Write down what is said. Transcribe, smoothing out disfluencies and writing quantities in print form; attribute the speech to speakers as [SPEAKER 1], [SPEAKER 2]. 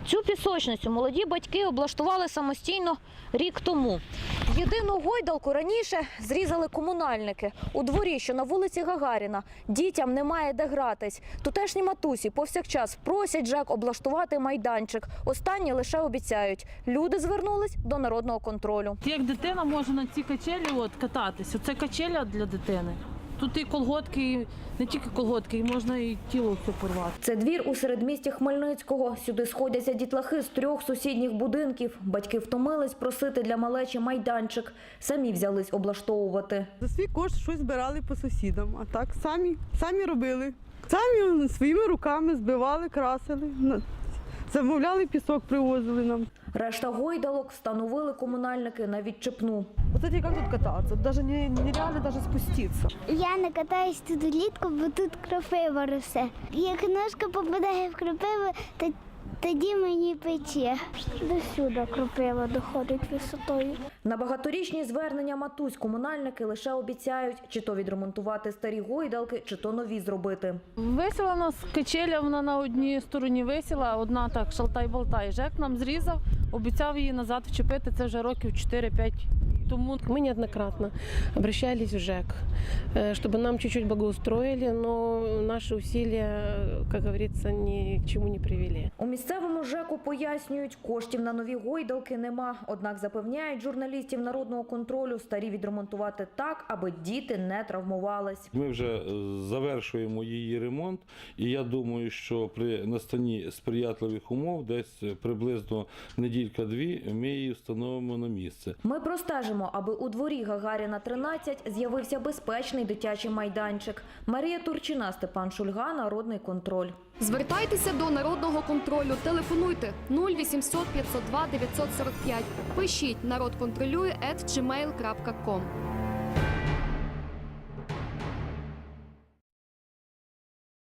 [SPEAKER 1] Цю пісочницю молоді батьки облаштували самостійно рік тому. Єдину гойдалку раніше зрізали комунальники. У дворі, що на вулиці Гагаріна, дітям немає де гратись. Тутешні матусі повсякчас просять ЖЕК облаштувати майданчик. Останні лише обіцяють. Люди звернулись до народного контролю.
[SPEAKER 2] Як дитина може на цій качелі кататись. Оце качеля для дитини. Тут і колготки, і не тільки колготки, і можна і тіло все порвати.
[SPEAKER 1] Це двір у середмісті Хмельницького. Сюди сходяться дітлахи з 3 сусідніх будинків. Батьки втомились просити для малечі майданчик. Самі взялись облаштовувати.
[SPEAKER 3] За свій кошт щось збирали по сусідам, а так самі робили. Самі своїми руками збивали, красили, замовляли пісок, привозили нам.
[SPEAKER 1] Решта гойдалок встановили комунальники на відчепну.
[SPEAKER 3] Вот это как тут кататься? Даже нереально даже спуститься.
[SPEAKER 4] Я не катаюсь тут влітку, бо тут кропива росте. Як ножка попадає в кропиву, тоді мені пече. До сюди кропива доходить висотою.
[SPEAKER 1] На багаторічні звернення матусь комунальники лише обіцяють, чи то відремонтувати старі гойдалки, чи то нові зробити.
[SPEAKER 2] Висіла у нас качеля, вона на одній стороні висіла, одна так шалтай-болтай. ЖЕК нам зрізав, обіцяв її назад вчепити, це вже років 4-5 тому.
[SPEAKER 5] Мы неоднократно обращались в ЖЭК, чтобы нам чуть-чуть благоустроили, но наши усилия, как говорится, ни к чему не привели.
[SPEAKER 1] У місцевому ЖЕКу пояснюють, коштів на нові гойдалки нема. Однак запевняють журналістів народного контролю, старі відремонтувати так, аби діти не травмувались.
[SPEAKER 6] Ми вже завершуємо її ремонт, і я думаю, що при настанні сприятливих умов, десь приблизно неділька-дві, ми її встановимо на місце.
[SPEAKER 1] Ми простежимо, аби у дворі Гагаріна, 13 з'явився безпечний дитячий майданчик. Марія Турчина, Степан Шульга, Народний контроль.
[SPEAKER 7] Звертайтеся до Народного контролю. Телефонуйте 0800 502 945. Пишіть «Народ контролює» @gmail.com.